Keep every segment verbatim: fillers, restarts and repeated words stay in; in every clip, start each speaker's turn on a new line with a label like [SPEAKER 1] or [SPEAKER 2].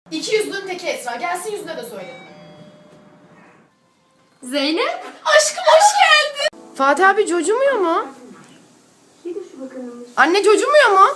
[SPEAKER 1] İki yüzlünün teki Esra. Gelsin yüzüne de söyle.
[SPEAKER 2] Zeynep?
[SPEAKER 1] Aşkım hoş geldin. Fatih abi cocumuyor mu? Anne cocumuyor mu?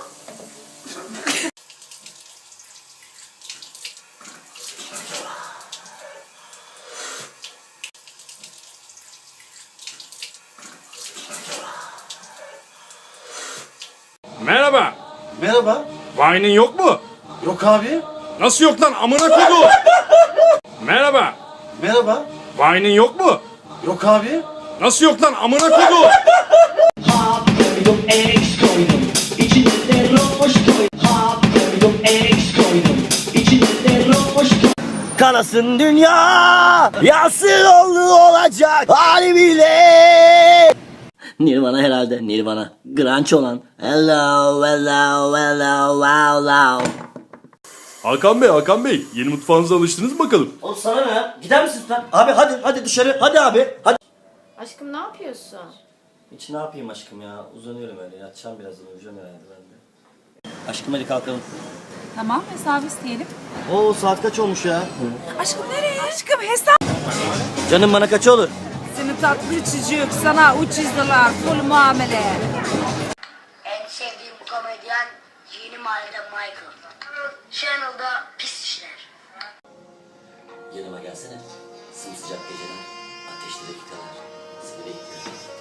[SPEAKER 3] Merhaba.
[SPEAKER 4] Merhaba.
[SPEAKER 3] Vine'in yok mu?
[SPEAKER 4] Yok abi.
[SPEAKER 3] Nasıl yok lan amına kodu? Merhaba.
[SPEAKER 4] Merhaba.
[SPEAKER 3] Vine'in yok mu?
[SPEAKER 4] Yok abi.
[SPEAKER 3] Nasıl yok lan amına kodu?
[SPEAKER 5] Hap koydum, X koydum. İçine de roş koydum. Hap koydum, X koydum. İçine de roş koydum.
[SPEAKER 6] Kanasın dünya, yansın oldu olacak hali bile. Nirvana herhalde, Nirvana. Grunge olan. Hello, hello, hello, hello, hello.
[SPEAKER 3] Hakan Bey, Hakan Bey. Yeni mutfağınıza alıştınız mı bakalım?
[SPEAKER 6] Oğlum sana ne ya? Gider misin lütfen? Abi hadi, hadi dışarı. Hadi abi, hadi.
[SPEAKER 1] Aşkım ne yapıyorsun?
[SPEAKER 6] Hiç ne yapayım aşkım ya? Uzanıyorum öyle. Yatacağım birazdan. Uyuyacağım herhalde ben de. Aşkım hadi kalkalım.
[SPEAKER 2] Tamam, hesabı isteyelim.
[SPEAKER 6] Oo saat kaç olmuş ya?
[SPEAKER 2] Aşkım nereye? Aşkım hesap.
[SPEAKER 6] Canım bana kaç olur?
[SPEAKER 2] Seni tatlı çocuk, sana ucuzdular, full muamele.
[SPEAKER 7] En sevdiğim komedyen Yeni Mahallede Michael. Channel'da pis işler.
[SPEAKER 6] Yanıma gelsene. Sımsıcak geceler, ateşli dakikalar. Seni bekliyorum.